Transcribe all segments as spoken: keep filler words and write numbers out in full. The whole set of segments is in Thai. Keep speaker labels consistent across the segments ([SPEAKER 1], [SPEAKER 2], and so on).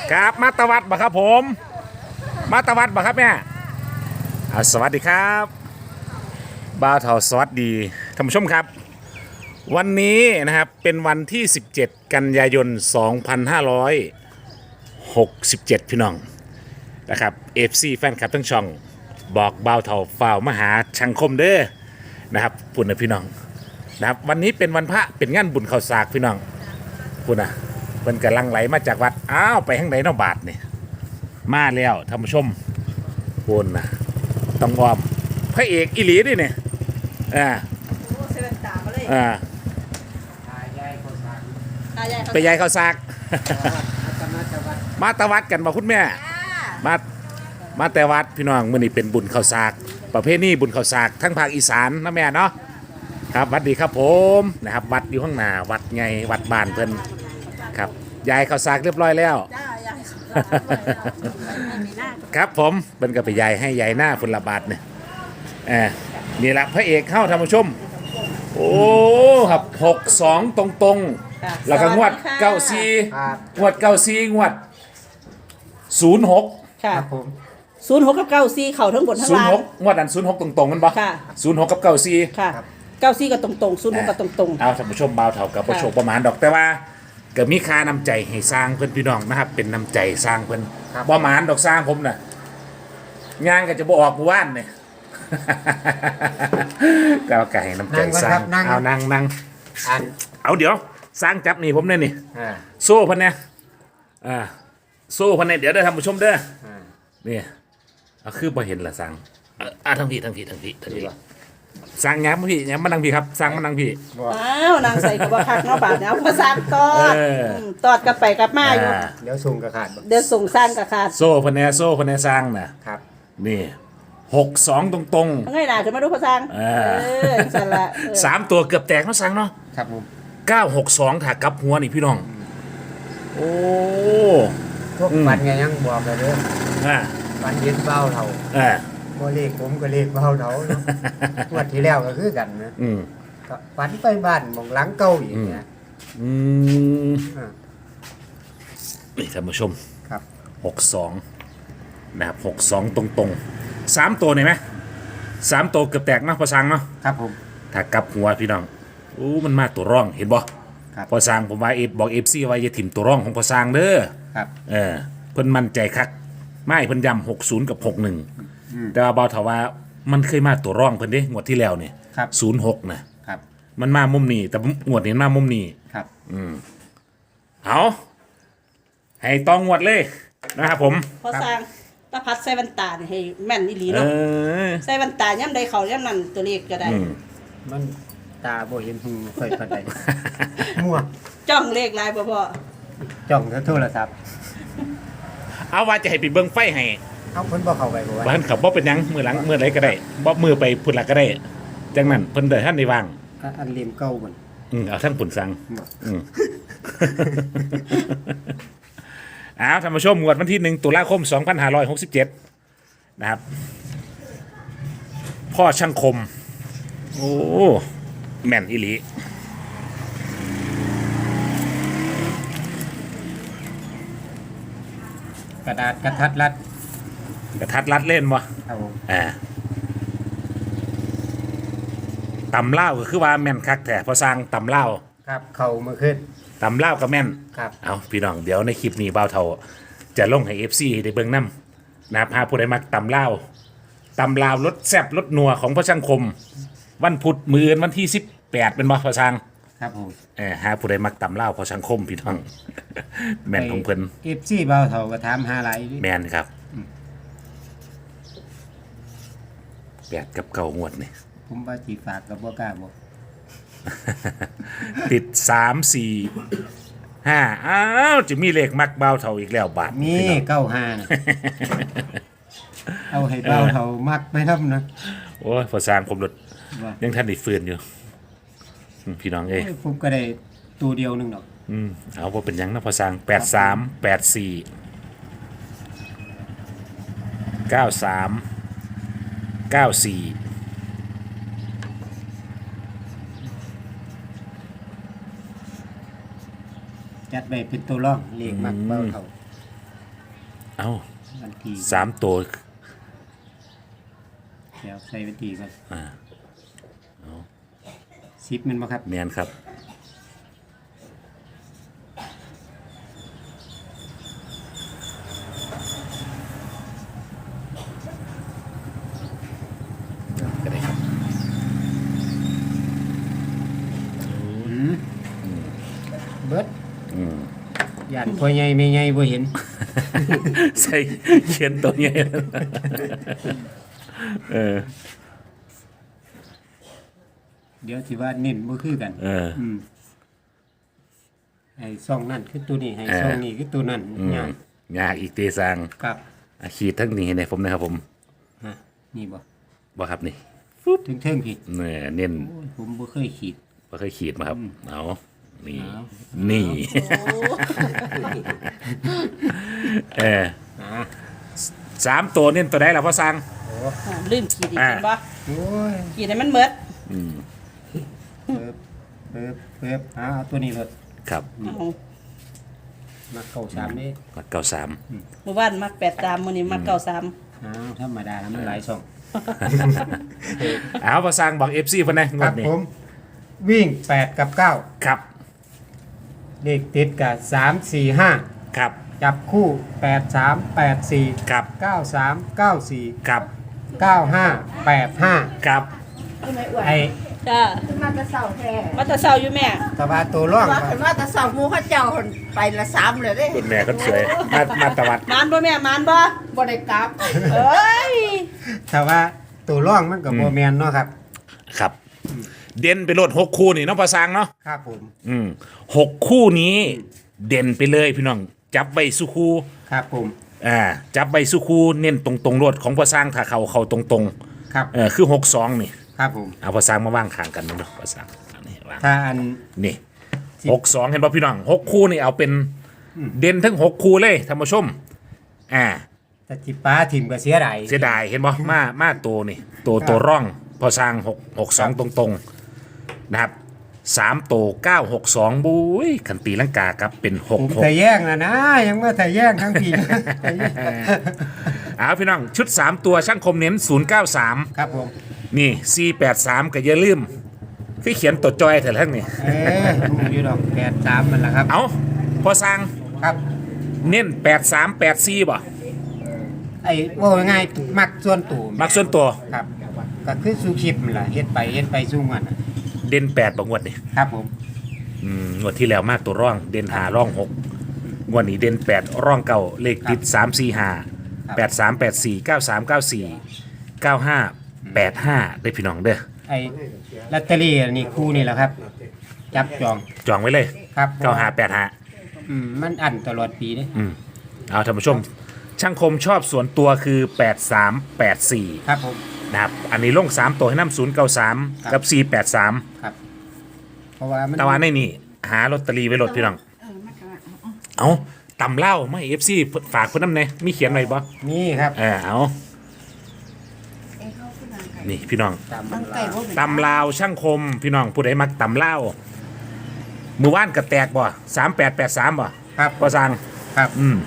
[SPEAKER 1] ครับมาตวัดบ่ครับผมมาตวัดบ่ครับแม่อ่าสวัสดีครับบ่าวเฒ่าสวัสดีท่านผู้ชมครับวันนี้นะครับเป็นวันที่สิบเจ็ดกันยายนสองพันห้าร้อยหกสิบเจ็ดพี่น้องนะครับ เอฟ ซี แฟนคลับทั้งช่องบอกบ่าวเฒ่าฝ่าวมาหาชังคมเด้อนะครับปุ่นนะพี่น้องนะครับวันนี้เป็นวันพระเป็นงานบุญข้าวสากพี่น้องปุ่นนะเพิ่นกำลังไหลมาจากวัดอ้าวไปทางไหนเนาะบาทนี่มาแล้วท่านผู้ชมปุ่นนะต้องอ้อมพระเอกอีหลีดิเนี่ยอ่า
[SPEAKER 2] โอ้เซเว่นตามาเลย
[SPEAKER 1] อ่า
[SPEAKER 2] ตายายเขา
[SPEAKER 1] ไปยายข้าวสาก มาตะวัดกันมาคุณแม่มามาแต่วัดพี่น้องมื้อนี้เป็นบุญข้าวสากประเภทนี้บุญข้าวสากทั้งภาคอีสานนะแม่เนาะครับวัดดีครับผมนะครับวัดอยู่ข้างหน้าวัดไงวัดบ้านเพิ่นครับยายข้าวสากเรียบร้อยแล้ว
[SPEAKER 2] จ้ายายมีหน้า
[SPEAKER 1] ครับผมเป็นก็ไปยายให้ยายหน้าฟุนละบาทเนี่ยเออนี่แหละพระเอกเข้าท่านผู้ชมโอ้ครับหกสองตรงตรงๆแล้วก็งวดเก้าซีงวดเก้าซีงวดศูนย์หก
[SPEAKER 2] ค่ะศูนย์หกกับเก้าสี่เข่าทั้งบนทั้ง
[SPEAKER 1] ศูนย์
[SPEAKER 2] ล่าง
[SPEAKER 1] หกงวดนั้นศูนย์หกตรงตรงๆมันบ่
[SPEAKER 2] ค่ะ
[SPEAKER 1] ศูนย์หกกับเก้าซี
[SPEAKER 2] ค่ะเก้าสี่ก็ตรงตรงศูนย์หกก็ตรงตรง
[SPEAKER 1] เอาท่านผู้ชมเบาเท่ากับประโชคประมาณดอกแต่ว่าก็มีค่าน้ำใจให้สร้างเพื่อนพี่น้องนะครับเป็นน้ำใจสร้างเพื่อนบ่หมานดอกสร้างผมน่ะงานก็จะบ่ออกหมู่บ้านเนี่ย ก็เอาไก่น้ำใจสร้างเอานั่งนั่งเอาเดี๋ยวสร้างจับนี่ผมเนี่ยนี่โซ่พันเนี่ยอ่าโซ่พันเนี่ยเดี๋ยวได้ท่านผู้ชมเด้อนี่เอาคือพอเห็นละสร้างอ่าทั้งพี่ทั้งพี่ทั้งพี่ทั้งพี่สร้างย้ำพี่ย้ำมานั่งพี่ครับสร้างมานั่งพี่
[SPEAKER 2] ๆอ้าวนางใส่กับว่าคักเนาะบาทเนาะพอสร้างตอดมตอดกับไปกับมาอยู่
[SPEAKER 3] เดี๋ยวส่งกระขาด
[SPEAKER 2] เดี๋ยวส่งสร้างกับขาด
[SPEAKER 1] โซ่พันเนี่ยโซ่พันเนี่ยสร้างนะครับ นี่หกสองตรงตรง
[SPEAKER 2] ทั้งไงล่ะขึ้นมาดูพอสร้าง
[SPEAKER 1] ๆ
[SPEAKER 2] เอ
[SPEAKER 1] อ่า
[SPEAKER 2] อสั่นละเออ
[SPEAKER 1] สามตัวเกือบแตกเนาะสร้างเนาะ
[SPEAKER 3] ครับผม
[SPEAKER 1] เก้าหกสองถากลับหัวนี่พี่น้องโอ้
[SPEAKER 3] พวกฟันไงยังบอกเลยเด้อ
[SPEAKER 1] อ่า
[SPEAKER 3] ฟันเย็นเบ้าเท่า
[SPEAKER 1] อ่า
[SPEAKER 3] บ่เลขผมก็เลขเบ้าเท่าเนาะงวดที่แล้วก็คือกันนะ
[SPEAKER 1] อืม
[SPEAKER 3] ก็ฟันไปบ้านหมองหลังเก่าอีกเนี่ย
[SPEAKER 1] อืม
[SPEAKER 3] อ่า
[SPEAKER 1] นี่ท่านผู้ชม
[SPEAKER 3] ครับ
[SPEAKER 1] หกสองนะครับหกสองตรงตรงๆสามตัวนี่ไหมสามตัวเกือบแตกเนาะพอสร้างเนาะ
[SPEAKER 3] ครับผม
[SPEAKER 1] ถ้ากลับหัวพี่น้องอู้มันมาตัวร่องเห็นบ่
[SPEAKER 3] ครับ
[SPEAKER 1] พอสร้างผมว่าเอฟบอกเอฟซีว่าอย่าถิ่มตัวร่องของพอสร้างเด้อ
[SPEAKER 3] ครับ
[SPEAKER 1] เออเพิ่นมั่นใจคักไม่เพิ่นย้ำหกศูนย์กับหกหนึ่งแต่ว่าเบาเถาว่ามันเคยมาตัวร่องเพิ่นเด้งวดที่แล้วเนี่ย
[SPEAKER 3] ครับ
[SPEAKER 1] ศูนย์หกนะครับ มันมามุมนี้แต่งวดนี้มามุมนี้
[SPEAKER 3] ครับ
[SPEAKER 1] เอาให้ต้องงวดเลยนะครับผม
[SPEAKER 2] พอสร้างตาพัดใส่แว่นตานี่ให้แม่นอีหลี
[SPEAKER 1] เอ
[SPEAKER 2] เนาะ
[SPEAKER 1] อ
[SPEAKER 2] ใส่แว่นตาย่ำใดเขาย่ำนั่นตัวเลขก็ได้
[SPEAKER 1] อืม
[SPEAKER 3] มันตาบ่เห็นหูค่อยปานใดมั่ว
[SPEAKER 2] จ้องเลขลายบ่พอ
[SPEAKER 3] จ้องแต่โทรศัพท์
[SPEAKER 1] เอาว่าจะให้ไปเบิ่งไฟให้
[SPEAKER 3] เอาเพิ่นบ่เข้าไปบ่ว่า
[SPEAKER 1] บ้านเขาบ่เป็นหยังมือหลังมือไหนก็ได้บ่มือไปพุ่นละก็ได้จังนั้นเพิ่นเดินท่านในวาง
[SPEAKER 3] อ่ะอันเลียมเก่ามัน
[SPEAKER 1] อืมเอาทั้งปุ่นสัง
[SPEAKER 3] บ่
[SPEAKER 1] อืม เอาท่านผู้ชมงวดวันที่หนึ่งตุลาคมสองพันห้าร้อยหกสิบเจ็ดนะครับ พ่อช่างคม โอ้ แม่นอีหลี
[SPEAKER 3] กระดาษกระทัดรัด
[SPEAKER 1] กระทัดรัดเล่นบ่
[SPEAKER 3] ครับผม
[SPEAKER 1] อ่าตำเล่าวก็คือว่าแม่นคักแต่พอสร้างตำเล่าว
[SPEAKER 3] ครับเข้ามาขึ้น
[SPEAKER 1] ตำเล่าวก็แม่น
[SPEAKER 3] ครับ
[SPEAKER 1] เอาพี่น้องเดี๋ยวในคลิปนี้บ่าวเท่าจะลงให้ เอฟ ซี ได้เบิ่งนํนะครับหาผู้ใดมักตำเล่าวตำลาวรสแซ่บรสนัวของพระช่างคม วันพุธมื้ออนวันที่สิบแปดเป็นบ่พอช่าง
[SPEAKER 3] ครับผม
[SPEAKER 1] เออหาผู้ใดมักตำเล่าวพอช่างคมพี่น้อง แม่นของเพิ่น
[SPEAKER 3] เอฟซีเบ้าเท่าก็ถามหาหลายอยู่ดิ
[SPEAKER 1] แม่นครับแปดกับเก้างวดนี่
[SPEAKER 3] ผมว่าสิฝากก็บ่กล้าบอก
[SPEAKER 1] ติดสามสี่ห้าอ้าวจะมีเลขมักเบาเท่าอีกแล้วบาท
[SPEAKER 3] มี
[SPEAKER 1] พี่น้อง
[SPEAKER 3] เก้าห้านะ เอาให้เบ้าเท่ามักไปนำนะ
[SPEAKER 1] โอ้ยพอสร้างผมรถ
[SPEAKER 3] ว่า
[SPEAKER 1] ยังทันได้ฟื้นอยู่อืมพี่น้องเอ้ย
[SPEAKER 3] โอ้ยผมก็ได้ตัวเดียวหนึงดอก
[SPEAKER 1] อืมเอาว่าเป็นหยังนะพอสร้างแปดสามแปดสี่เก้าสามเก้าสี่
[SPEAKER 3] จัดไปเป็นตัวร่องเลขมักเบ้าเท่า
[SPEAKER 1] เอ้า
[SPEAKER 3] วันที่
[SPEAKER 1] สามตัว
[SPEAKER 3] เดี๋ยวใส่วันที่ก่อน
[SPEAKER 1] อ่า
[SPEAKER 3] สิบมันบ่ครับ
[SPEAKER 1] เนียนครับก็ได้ครับ
[SPEAKER 3] อืมเบิด
[SPEAKER 1] อืม
[SPEAKER 3] ย่านพ่อใหญ่แม่ใหญ่บ่เห็น
[SPEAKER 1] ใส่เขียนตัวใหญ่เออ
[SPEAKER 3] เดี๋ยวสิว่าเน้นบ่คือกัน
[SPEAKER 1] เออ
[SPEAKER 3] อืมให้ซ่องนั่นคือตัวนี้ให้
[SPEAKER 1] เออ
[SPEAKER 3] ซ่องนี้คือตัวนั้น
[SPEAKER 1] อืม
[SPEAKER 3] ย่าง
[SPEAKER 1] ยากอีกเตซัง
[SPEAKER 3] ครับ
[SPEAKER 1] อาขีดทั้งนี้ให้ผมนะครับผม
[SPEAKER 3] ฮะนี่บ่
[SPEAKER 1] บ่ครับนี่
[SPEAKER 3] ถึงเทิงๆพี่
[SPEAKER 1] เนี่ยเน้น
[SPEAKER 3] โอ้ยผมบ่เคยขีด
[SPEAKER 1] บ่เคยขีดมาครับ เอานี่
[SPEAKER 3] เอา
[SPEAKER 1] นี่ เออ
[SPEAKER 3] อ่า
[SPEAKER 1] สามตัวเน้นตัวใดล่ะพ่อสัง
[SPEAKER 2] อ่าลืมขีดอีก
[SPEAKER 1] อ่า
[SPEAKER 2] เห็นบ่
[SPEAKER 3] โอ้ย
[SPEAKER 2] ขีดให้มันเบิด
[SPEAKER 1] อืม
[SPEAKER 3] เปิบเปิบเปิบอ่าเอาตัวนี้เลย
[SPEAKER 1] ครับ
[SPEAKER 2] เอา
[SPEAKER 3] มาเข้าสามนี่
[SPEAKER 1] ก็เก้าสาม
[SPEAKER 2] เมื่อวานมักแปดสามมื้อนี้มักเก้าสาม
[SPEAKER 3] อ้าวธรรมดานะมันหลายช่อง
[SPEAKER 1] เอาพ่อสังบอกเอฟซีเพิ่นนะง
[SPEAKER 3] คว รั
[SPEAKER 1] ด
[SPEAKER 3] บ
[SPEAKER 1] นี้
[SPEAKER 3] ผมวิ่งแปดกับเก้า
[SPEAKER 1] ครับ
[SPEAKER 3] เลขติดกับสามสี่ห้า
[SPEAKER 1] ครับ
[SPEAKER 3] จับคู่แปดสามแปดสี่
[SPEAKER 1] ครับ
[SPEAKER 3] เก้าสามเก้าสี่
[SPEAKER 1] ครับ
[SPEAKER 3] เก้าห้าแปดห้า
[SPEAKER 1] ครับ
[SPEAKER 3] ไอ้
[SPEAKER 2] จ้า
[SPEAKER 4] ขึ้นมาแต่เสาแท้
[SPEAKER 2] มาแต่เช้าอยู่แม่
[SPEAKER 3] ตะวาตัวร่อง
[SPEAKER 4] ว่าขึ้นมาแต่เสาหมูเข้าเจ้าคนไปละสามเลยเด้
[SPEAKER 1] คุณแม่ก็สวยมามาตะวัด
[SPEAKER 2] มานบ่แม่มานบ่
[SPEAKER 4] บ่ได้กลับ
[SPEAKER 2] เอ้ย
[SPEAKER 3] ตะว่าตัวร่องมันกับโบแมนเนาะครับ
[SPEAKER 1] ครับ เด่นไปโลดหกคู่นี่เนาะพ่อสังเนาะ
[SPEAKER 3] ครับผม
[SPEAKER 1] อืมหกคู่นี้เด่นไปเลยพี่น้อง จับใบสุคู
[SPEAKER 3] ครับผม
[SPEAKER 1] อ่าจับใบสุคูเน้นตรงตรงๆรวดของพ่อสร้างถ้าเขาเขาตรงตรง
[SPEAKER 3] ครับ
[SPEAKER 1] ๆเออคือหกสองนี่
[SPEAKER 3] ครับผม
[SPEAKER 1] เอาพ่อสร้างมาว่างข้างกันเนาะพ่อสร้างอันนี้วาง
[SPEAKER 3] ถ้าอัน
[SPEAKER 1] นี่หกสองเห็นป่ะพี่น้องหกคู่นี่เอาเป็นเด่นทั้งหกคู่เลยท่านผู้ชมอ่า
[SPEAKER 3] ตะจิป้าถิ่มก็เสียดาย
[SPEAKER 1] เสียดายเห็นป่ะมามาตัวนี่ตัวตัวร่องพ่อสร้างหกหกสองตรงตรงๆนะครับสามตัวเก้าหกสองบุ้ยขันตีลังกาครับเป็นห
[SPEAKER 3] ผ
[SPEAKER 1] ก
[SPEAKER 3] ม
[SPEAKER 1] หก
[SPEAKER 3] แต่แย่งนะนะ ยังว่าแต่แย่งทั้งที
[SPEAKER 1] เอาพี่น้องชุดสามตัวช่างคมเน้นศูนย์เก้าสาม
[SPEAKER 3] ครับผม
[SPEAKER 1] นี่สี่แปดสามก็อย่าลืมที่เขียนตัวจอยเถอะทั้งนี่
[SPEAKER 3] เอ๊ะรู้อยู่ดอกแปดสามมันละครับ
[SPEAKER 1] เอาพอสร้าง
[SPEAKER 3] ครับ
[SPEAKER 1] เน้นแปดสามแปดสี่บ่
[SPEAKER 3] ไอ้ว่าง่ายๆมักส่วนตัว
[SPEAKER 1] มักส่วนตัว
[SPEAKER 3] ครับ ก็คือสู้คลิปมันล่ะเฮ็ดไปเฮ็ดไปสู้มันน่ะ
[SPEAKER 1] เด่นแปดบ่งวดนี่
[SPEAKER 3] ครับผม
[SPEAKER 1] อืมงวดที่แล้วมาตัวร่อง เด่นหาร่องหกงวดนี้เด่นแปดร่องเก่าเลขติดสามสี่ห้าแปดสามแปดสี่เก้าสามเก้าสี่เก้าห้าแปดห้าได้พี่น้องเด้อ
[SPEAKER 3] ไอ้ลอตเตอรี่อันนี่คู่นี่แหละครับ จับจอง
[SPEAKER 1] จองไว้เลย
[SPEAKER 3] ครับ
[SPEAKER 1] เก้าห้าแปดห้า
[SPEAKER 3] อืมมันอันตลอดปีเด้
[SPEAKER 1] อืมเอาท่านผู้ชม ช่างคมชอบส่วนตัวคือแปดสามแปดสี่
[SPEAKER 3] ครับผม
[SPEAKER 1] นะครับ อันนี้ลงสามตัวให้น้ำศูนย์เก้าสาม
[SPEAKER 3] ครับ
[SPEAKER 1] กับสี่แปดสาม
[SPEAKER 3] ครับ เพราะว่ามัน
[SPEAKER 1] ตะวันในนี่หาลอตเตอรี่ไว้ลดพี่น้อง เอาตำเล่าไม่เอฟซีฝากเพื่อนน้ำเนยมีเขียนอะไรบ่
[SPEAKER 3] นี่ครับ
[SPEAKER 1] เออเอา นี่พี่น้อง
[SPEAKER 3] ตาม
[SPEAKER 4] มั
[SPEAKER 3] มัน น
[SPEAKER 4] ไก่
[SPEAKER 3] ลา
[SPEAKER 4] บ่เป็น
[SPEAKER 1] ตำลาวช่างคมพี่น้องผู้ใดมักตำเล่ามือว่านกระแตกบ่สามแปดแปดสามบ่
[SPEAKER 3] ครับ
[SPEAKER 1] ก็สั่ง
[SPEAKER 3] ครับ
[SPEAKER 1] อืม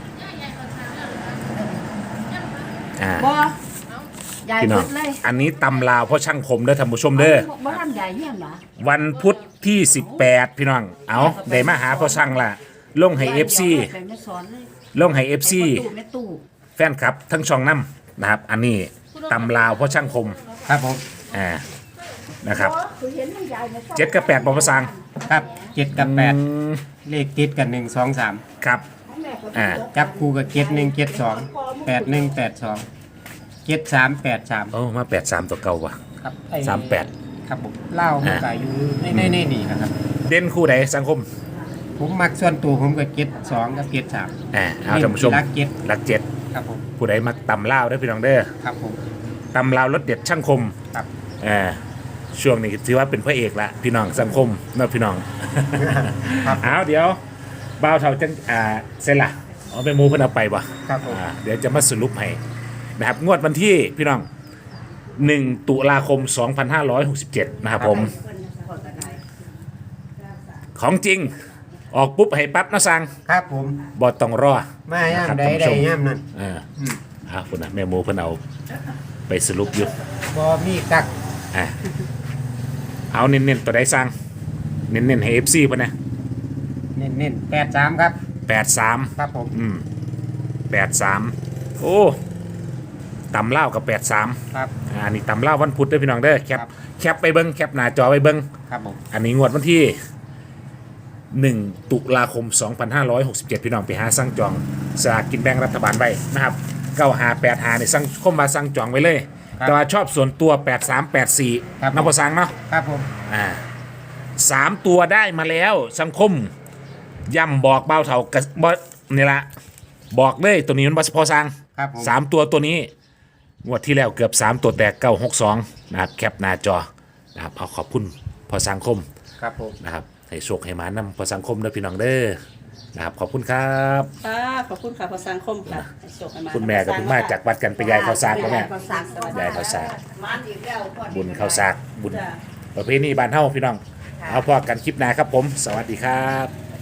[SPEAKER 1] อ่า
[SPEAKER 4] บ่ยาย
[SPEAKER 1] พี่น้อ
[SPEAKER 4] พุ
[SPEAKER 1] ง
[SPEAKER 4] ดเลย
[SPEAKER 1] อันนี้ตำลาวเพราะช่างคมเด้อท่านผู้ชมเด้อ
[SPEAKER 4] บ่ทำยายเฮียนเหรอ
[SPEAKER 1] วันพุธที่สิบแปดพี่น้อง เอาได้มาหาพ่อช่างละลงให้เอฟซี
[SPEAKER 4] ไปไม่สอนเลย
[SPEAKER 1] ลงให้เอฟซี
[SPEAKER 4] ไปตู้แม่ตู้
[SPEAKER 1] แฟนคลับ ทั้งช่องน้ำนะครับ อันนี้ตำลาวเพราะช่างคม
[SPEAKER 3] ครับผม
[SPEAKER 1] อ่านะครับ
[SPEAKER 4] คือเห็นมันยายมาสอน
[SPEAKER 1] เจ็ดกับแปดบอภาษา
[SPEAKER 3] ครับเจ็ดกับแปด
[SPEAKER 1] อืม
[SPEAKER 3] เลขติดกันหนึ่งสองสาม
[SPEAKER 1] ครับ
[SPEAKER 4] แม่ก็
[SPEAKER 1] อ่า
[SPEAKER 3] จับคู่กับเจ็ดหนึ่งเจ็ดสองแปดหนึ่งแปดสองเจ็ดสามแปดสาม
[SPEAKER 1] โอ้มาแปดสามตัวเก่าว่ะ
[SPEAKER 3] ครับไอ้
[SPEAKER 1] สามแปด
[SPEAKER 3] ครับผมเล่ามันก็อยู่ในในในนี่นะครับ
[SPEAKER 1] เด่นคู่ใดสังคม
[SPEAKER 3] ผมมักส่วนตัวผมก็เจ็ดสองกับเจ็ดสาม
[SPEAKER 1] อ่าเอาท่านผู้ชม
[SPEAKER 3] รักเจ็ด
[SPEAKER 1] รักเจ็ด
[SPEAKER 3] ครับผม
[SPEAKER 1] ผู้ใดมักตำลาวได้อพี่น้องเด้อ
[SPEAKER 3] ครับผม
[SPEAKER 1] ตำลาวรสเด็ดช่างคม
[SPEAKER 3] ครับ
[SPEAKER 1] อ่าช่วงนี้ถือว่าเป็นพระเอกละพี่น้องสังคมเนาะพี่น้อง
[SPEAKER 3] ครับ
[SPEAKER 1] เอาเดี๋ยวบ่าวเท่าจังอ่าเสร็จละเอาไปหมูเพิ่นเอาไปบ่
[SPEAKER 3] ครับผม
[SPEAKER 1] อ่าเดี๋ยวจะมาสรุปให้นะครับงวดวันที่พี่น้องหนึ่งตุลาคมสองพันห้าร้อยหกสิบเจ็ดนะครับผม ของจริงออกปุ๊บให้ปั๊บนะสั่ง
[SPEAKER 3] ครับผม
[SPEAKER 1] บอต้องรอ
[SPEAKER 3] มาย่าม
[SPEAKER 1] นะครับ
[SPEAKER 3] ใด
[SPEAKER 1] ท่านผู้
[SPEAKER 3] ได้
[SPEAKER 1] ชม
[SPEAKER 3] ย่ามนั่น
[SPEAKER 1] เออ
[SPEAKER 3] อืม
[SPEAKER 1] เอาคุณนะแม่หมูเพิ่นเอาไปสรุปอยู่
[SPEAKER 3] บ่มีกัก
[SPEAKER 1] อ่ะเอาเน้นๆตัวใดสั่งเน้นๆให้ เอฟ ซี เพิ่นนะ
[SPEAKER 3] เน้นเน้นแปดสามครับ
[SPEAKER 1] แปดสาม
[SPEAKER 3] ครับผม
[SPEAKER 1] อืมแปดสามโอ้ตำเล่าวกับแปดสาม
[SPEAKER 3] ครับ
[SPEAKER 1] อ่านี่ตำเล่าววันพุธเด้อพี่น้องเด้อแคป
[SPEAKER 3] ครับ
[SPEAKER 1] แคปไปเบิ้งแคปหน้าจอไปเบิ้ง
[SPEAKER 3] ครับผม
[SPEAKER 1] อันนี้งวดวันที่หนึ่งตุลาคมสองพันห้าร้อยหกสิบเจ็ดพี่น้องไปหาสั่งจองสลากกินแบ่งรัฐบาลไว้นะครับเก้าหาแปดหาเนี่ยสั่งคมมาสั่งจองไว้เลย แต่ว่าชอบส่วนตัวแปดสามแปดสี่นับพอสั่งเนาะ
[SPEAKER 3] ครับผม
[SPEAKER 1] อ่าสามตัวได้มาแล้วสังคมย่ำบอกเบาเท่ากับบ่นี่ละบอกเลยตัวนี้มันบพอสั่ง
[SPEAKER 3] ครับผม
[SPEAKER 1] สามตัวตัวนี้งวดที่แล้วเกือบสามตัวแตกเก้าหกสองนะครับแคปหน้าจอนะครับเอาขอบคุณพอสังคม
[SPEAKER 3] ครับผม
[SPEAKER 1] นะครับให้โชคให้มานำพอสังคมเด้อพี่น้องเด้อนะครับขอบคุณครับ
[SPEAKER 2] ค่ะขอบคุณค่ะพอสังคมค่ะให้โชให้า
[SPEAKER 1] คุณแม่กับคุณมาจากวัดกันไปยายข้าวสากก็แม่
[SPEAKER 4] เขาสัก
[SPEAKER 1] ยายข้าวสาก
[SPEAKER 4] มันอีกแล้วพอดี
[SPEAKER 1] บุญข้าวสากบุญ
[SPEAKER 2] จ้ะ
[SPEAKER 1] ประเพณีบ้านเฮาพี่น้องเอาพอกันคลิปหน้าครับผม สวัสดีครับ
[SPEAKER 2] ค